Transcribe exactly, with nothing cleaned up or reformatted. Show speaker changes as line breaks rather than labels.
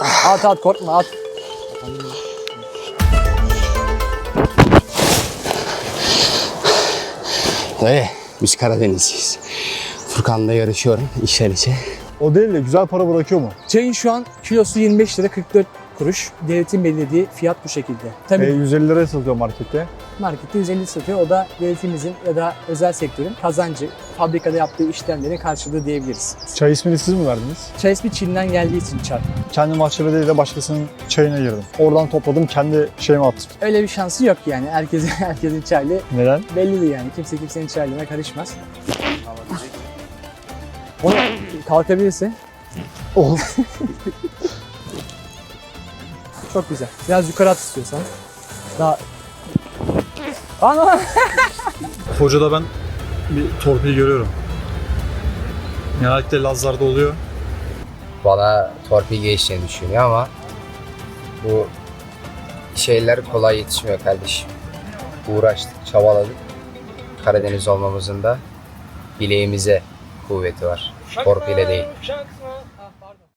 At at korkma at.
Dayı biz Karadenizliyiz. Furkan'la yarışıyorum içten içe.
O değil de güzel para bırakıyor mu?
Çayın şu an kilosu yirmi beş lira kırk dört kuruş. Devletin belirlediği fiyat bu şekilde. Tabii
E, yüz elli liraya satıyor markette.
markette yüz elli satıyor. O da devletimizin ya da özel sektörün kazancı, fabrikada yaptığı işlemlerin karşılığı diyebiliriz.
Çay ismini siz mi verdiniz?
Çay ismi Çin'den geldiği için çay.
Kendi mahçede değil de başkasının çayına girdim. Oradan topladım, kendi şeyime attım.
Öyle bir şansı yok yani. Herkesin herkesin çaylı
Neden?
bellidir yani. Kimse kimsenin çaylığına karışmaz. Onu kalkabilirse
Oh.
çok güzel. Biraz yukarı at istiyorsan. Daha... Ana!
Hocada ben bir torpil görüyorum. Genellikle Lazlar'da oluyor.
Bana torpil geçtiğini düşünüyor ama bu şeyler kolay yetişmiyor kardeşim. Uğraştık, çabaladık. Karadeniz olmamızın da bileğimize kuvveti var. Torpile değil.